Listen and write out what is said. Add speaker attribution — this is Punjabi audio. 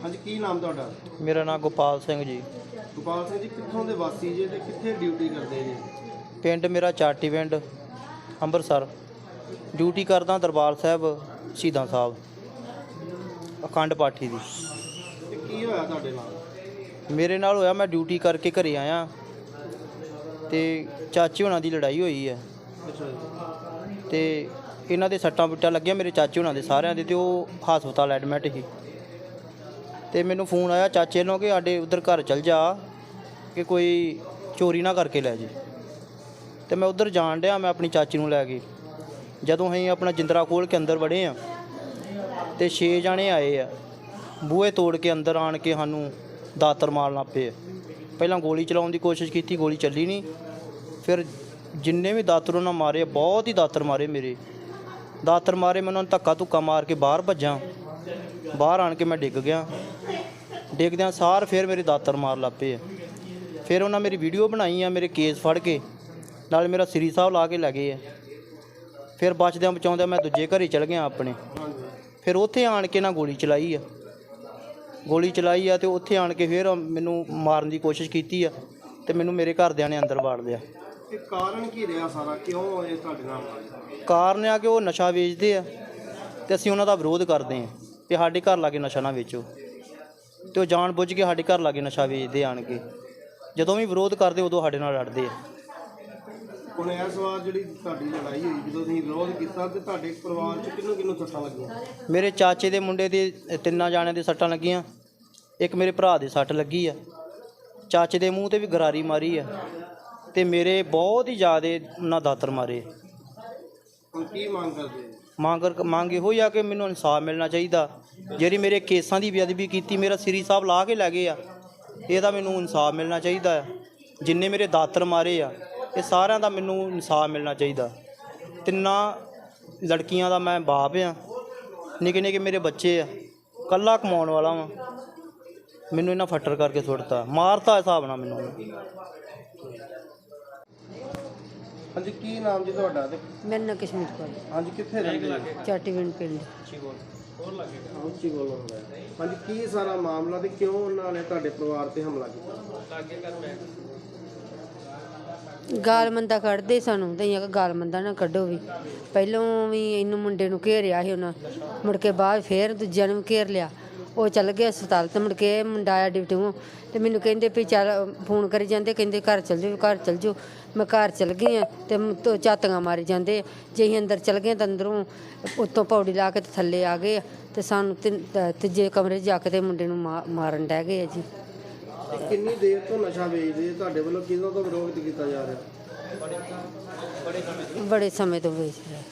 Speaker 1: ਹਾਂਜੀ, ਕੀ ਨਾਮ ਤੁਹਾਡਾ?
Speaker 2: ਮੇਰਾ ਨਾਮ ਗੋਪਾਲ ਸਿੰਘ ਜੀ।
Speaker 1: ਗੋਪਾਲ ਸਿੰਘ ਜੀ, ਕਿੱਥੋਂ ਦੇ ਵਾਸੀ ਜੇ ਤੇ ਕਿੱਥੇ ਡਿਊਟੀ ਕਰਦੇ ਜੀ?
Speaker 2: ਪਿੰਡ ਮੇਰਾ ਚਾਟੀ ਪਿੰਡ, ਅੰਮ੍ਰਿਤਸਰ। ਡਿਊਟੀ ਕਰਦਾ ਦਰਬਾਰ ਸਾਹਿਬ ਸ਼ਹੀਦਾਂ ਸਾਹਿਬ, ਅਖੰਡ ਪਾਠੀ ਦੀ।
Speaker 1: ਤੇ ਕੀ ਹੋਇਆ ਤੁਹਾਡੇ ਨਾਲ?
Speaker 2: ਮੇਰੇ ਨਾਲ ਹੋਇਆ, ਮੈਂ ਡਿਊਟੀ ਕਰਕੇ ਘਰੇ ਆਇਆ ਤੇ ਚਾਚੇ ਹੋਣਾ ਦੀ ਲੜਾਈ ਹੋਈ ਹੈ
Speaker 1: ਅੱਛਾ ਜੀ।
Speaker 2: ਤੇ ਇਹਨਾਂ ਦੇ ਸੱਟਾਂ ਪਿੱਟਾਂ ਲੱਗੀਆਂ ਮੇਰੇ ਚਾਚੇ ਹੋਣਾ ਦੇ ਸਾਰਿਆਂ ਦੇ, ਤੇ ਉਹ ਹਸਪਤਾਲ ਐਡਮਿਟ ਸੀ। ਤੇ ਮੈਨੂੰ ਫੋਨ ਆਇਆ ਚਾਚੇ ਨੂੰ ਕਿ ਸਾਡੇ ਉੱਧਰ ਘਰ ਚਲ ਜਾ ਕਿ ਕੋਈ ਚੋਰੀ ਨਾ ਕਰਕੇ ਲੈ ਜੇ। ਤੇ ਮੈਂ ਉੱਧਰ ਜਾਣ ਡਿਆ, ਮੈਂ ਆਪਣੀ ਚਾਚੀ ਨੂੰ ਲੈ ਕੇ। ਜਦੋਂ ਅਸੀਂ ਆਪਣਾ ਜਿੰਦਰਾ ਖੋਲ੍ਹ ਕੇ ਅੰਦਰ ਵੜੇ ਆ ਤੇ 6 ਜਾਣੇ ਆਏ ਆ, ਬੂਹੇ ਤੋੜ ਕੇ ਅੰਦਰ ਆਣ ਕੇ ਸਾਨੂੰ ਦਾਤਰ ਮਾਰਨ ਲੱਗ ਪਏ। ਪਹਿਲਾਂ ਗੋਲੀ ਚਲਾਉਣ ਦੀ ਕੋਸ਼ਿਸ਼ ਕੀਤੀ, ਗੋਲੀ ਚੱਲੀ ਨਹੀਂ। ਫਿਰ ਜਿੰਨੇ ਵੀ ਦਾਤਰ ਉਹਨਾਂ ਮਾਰੇ, ਬਹੁਤ ਹੀ ਦਾਤਰ ਮਾਰੇ ਮੇਰੇ। ਦਾਤਰ ਮਾਰੇ, ਮੈਂ ਉਹਨਾਂ ਨੂੰ ਧੱਕਾ ਧੁੱਕਾ ਮਾਰ ਕੇ ਬਾਹਰ ਭੱਜਾਂ। ਬਾਹਰ ਆਣ ਕੇ ਮੈਂ ਡਿੱਗ ਗਿਆ। ਡਿੱਗਦਿਆਂ ਸਾਰ ਫਿਰ ਮੇਰੇ ਦਾਤਰ ਮਾਰ ਲੱਗ ਪਏ। ਫਿਰ ਉਹਨਾਂ ਮੇਰੀ ਵੀਡੀਓ ਬਣਾਈ ਆ, ਮੇਰੇ ਕੇਸ ਫੜ ਕੇ ਨਾਲ ਮੇਰਾ ਸ੍ਰੀ ਸਾਹਿਬ ਲਾ ਕੇ ਲੈ ਗਏ ਆ। ਫਿਰ ਬਚਦਿਆਂ ਬਚਾਉਂਦਿਆਂ ਮੈਂ ਦੂਜੇ ਘਰੇ ਚਲ ਗਿਆ ਆਪਣੇ। ਫਿਰ ਉੱਥੇ ਆਣ ਕੇ ਨਾ ਗੋਲੀ ਚਲਾਈ ਆ ਤੇ ਉੱਥੇ ਆਣ ਕੇ ਫਿਰ ਮੈਨੂੰ ਮਾਰਨ ਦੀ ਕੋਸ਼ਿਸ਼ ਕੀਤੀ ਆ ਤੇ ਮੈਨੂੰ ਮੇਰੇ ਘਰਦਿਆਂ ਨੇ ਅੰਦਰ ਵਾੜ ਲਿਆ।
Speaker 1: ਇਹ ਕਾਰਨ ਕੀ ਰਿਹਾ ਸਾਰਾ, ਕਿਉਂ ਇਹ ਤੁਹਾਡੇ ਨਾਲ ਹੋਇਆ?
Speaker 2: ਕਾਰਨ ਆ ਕਿ ਉਹ ਨਸ਼ਾ ਵੇਚਦੇ ਆ ਤੇ ਅਸੀਂ ਉਹਨਾਂ ਦਾ ਵਿਰੋਧ ਕਰਦੇ ਹਾਂ ਕਿ ਸਾਡੇ ਘਰ ਲਾਗੇ ਨਸ਼ਾ ਨਾ ਵੇਚੋ। ਤੇ ਉਹ ਜਾਣ ਬੁੱਝ ਕੇ ਸਾਡੇ ਘਰ ਲਾਗੇ ਨਸ਼ਾ ਵੇਚਦੇ ਆਣ ਕੇ। ਜਦੋਂ ਵੀ ਵਿਰੋਧ ਕਰਦੇ ਉਦੋਂ ਸਾਡੇ ਨਾਲ ਲੜਦੇ ਆ।
Speaker 1: ਹੁਣ ਇਸ ਵਾਰ ਜਿਹੜੀ ਤੁਹਾਡੀ ਲੜਾਈ ਹੋਈ, ਜਦੋਂ ਤੁਸੀਂ ਵਿਰੋਧ ਕੀਤਾ ਤੇ ਤੁਹਾਡੇ ਪਰਿਵਾਰ 'ਚ ਕਿਹਨੂੰ ਸੱਟਾਂ ਲੱਗੀਆਂ?
Speaker 2: ਮੇਰੇ ਚਾਚੇ ਦੇ ਮੁੰਡੇ ਦੇ 3 ਜਾਣਿਆਂ ਦੇ ਸੱਟਾਂ ਲੱਗੀਆਂ, ਇੱਕ ਮੇਰੇ ਭਰਾ ਦੇ ਸੱਟ ਲੱਗੀ ਆ। ਚਾਚੇ ਦੇ ਮੂੰਹ 'ਤੇ ਵੀ ਗਰਾਰੀ ਮਾਰੀ ਆ ਤੇ ਮੇਰੇ ਬਹੁਤ ਹੀ ਜ਼ਿਆਦਾ ਉਹਨਾਂ ਦਾਤਰ ਮਾਰੇ।
Speaker 1: ਹੁਣ ਕੀ ਮੰਗ ਕਰਦੇ?
Speaker 2: ਮੰਗ ਇਹੋ ਹੀ ਆ ਕਿ ਮੈਨੂੰ ਇਨਸਾਫ ਮਿਲਣਾ ਚਾਹੀਦਾ। ਜਿਹੜੀ ਮੇਰੇ ਕੇਸਾਂ ਦੀ ਬੇਅਦਬੀ ਕੀਤੀ, ਮੇਰਾ ਸ੍ਰੀ ਸਾਹਿਬ ਲਾ ਕੇ ਲੈ ਗਏ ਆ, ਇਹਦਾ ਮੈਨੂੰ ਇਨਸਾਫ ਮਿਲਣਾ ਚਾਹੀਦਾ ਆ। ਜਿੰਨੇ ਮੇਰੇ ਦਾਤਰ ਮਾਰੇ ਆ, ਇਹ ਸਾਰਿਆਂ ਦਾ ਮੈਨੂੰ ਇਨਸਾਫ ਮਿਲਣਾ ਚਾਹੀਦਾ। 3 ਲੜਕੀਆਂ ਦਾ ਮੈਂ ਬਾਪ ਆ, ਨਿੱਕੇ ਨਿੱਕੇ ਮੇਰੇ ਬੱਚੇ ਆ, ਇਕੱਲਾ ਕਮਾਉਣ ਵਾਲਾ ਵਾਂ। ਮੈਨੂੰ ਇਹਨਾਂ ਫੱਟਰ ਕਰਕੇ ਸੁੱਟਤਾ, ਮਾਰਤਾ ਹਿਸਾਬ ਨਾਲ ਮੈਨੂੰ।
Speaker 1: ਹਾਂਜੀ, ਕੀ ਨਾਮ ਜੀ ਤੁਹਾਡਾ? ਤੇ
Speaker 3: ਮੇਰਾ ਨਾਂ ਕਸ਼ਮੀਰ ਕੌਰ।
Speaker 1: ਹਾਂਜੀ, ਕਿੱਥੇ ਰਹਿੰਦੇ ਜੀ?
Speaker 3: ਚਾਟੀਵਿੰਡ ਪਿੰਡ।
Speaker 1: ਉੱਚੀ ਬੋਲੋ। ਹਾਂਜੀ, ਕੀ ਸਾਰਾ ਮਾਮਲਾ ਤੇ ਕਿਉਂ ਉਹਨਾਂ ਨੇ ਤੁਹਾਡੇ ਪਰਿਵਾਰ ਤੇ ਹਮਲਾ ਕੀਤਾ?
Speaker 3: ਗਾਲ ਮੰਦਾ ਕੱਢਦੇ ਸਾਨੂੰ, ਤੇ ਅਸੀਂ ਗਾਲ ਮੰਦਾ ਨਾ ਕੱਢੋ ਵੀ। ਪਹਿਲੋਂ ਵੀ ਇਹਨੂੰ ਮੁੰਡੇ ਨੂੰ ਘੇਰਿਆ ਸੀ ਉਹਨਾਂ, ਮੁੜ ਕੇ ਬਾਅਦ ਫਿਰ ਦੂਜਿਆਂ ਨੂੰ ਵੀ ਘੇਰ ਲਿਆ। ਉਹ ਚੱਲ ਗਏ ਹਸਪਤਾਲ ਤੇ ਮੁੜ ਕੇ ਮੁੰਡਾ ਆਇਆ ਡਿਊਟੀਓਂ ਤੇ ਮੈਨੂੰ ਕਹਿੰਦੇ ਵੀ ਚੱਲ, ਫੋਨ ਕਰੀ ਜਾਂਦੇ, ਕਹਿੰਦੇ ਘਰ ਚੱਲ ਜਾਓ। ਮੈਂ ਘਰ ਚੱਲ ਗਈ ਹਾਂ ਤੇ ਝਾਤੀਆਂ ਮਾਰੀ ਜਾਂਦੇ। ਜੇ ਅਸੀਂ ਅੰਦਰ ਚੱਲ ਗਏ ਤਾਂ ਅੰਦਰੋਂ ਉੱਤੋਂ ਪੌੜੀ ਲਾ ਕੇ ਤੇ ਥੱਲੇ ਆ ਗਏ ਤੇ ਸਾਨੂੰ ਤੀਜੇ ਕਮਰੇ 'ਚ ਜਾ ਕੇ ਤੇ ਮੁੰਡੇ ਨੂੰ ਮਾਰਨ ਡਹਿ ਗਏ ਆ ਜੀ।
Speaker 1: ਕਿੰਨੀ ਦੇਰ ਤੋਂ ਨਸ਼ਾ ਵੇਚਦੇ ਤੁਹਾਡੇ ਵੱਲੋਂ ਕਿਹਨਾਂ ਤੋਂ ਵਿਰੋਧ ਕੀਤਾ ਜਾ ਰਿਹਾ?
Speaker 3: ਬੜੇ ਸਮੇਂ ਤੋਂ ਵੇਚ ਰਿਹਾ।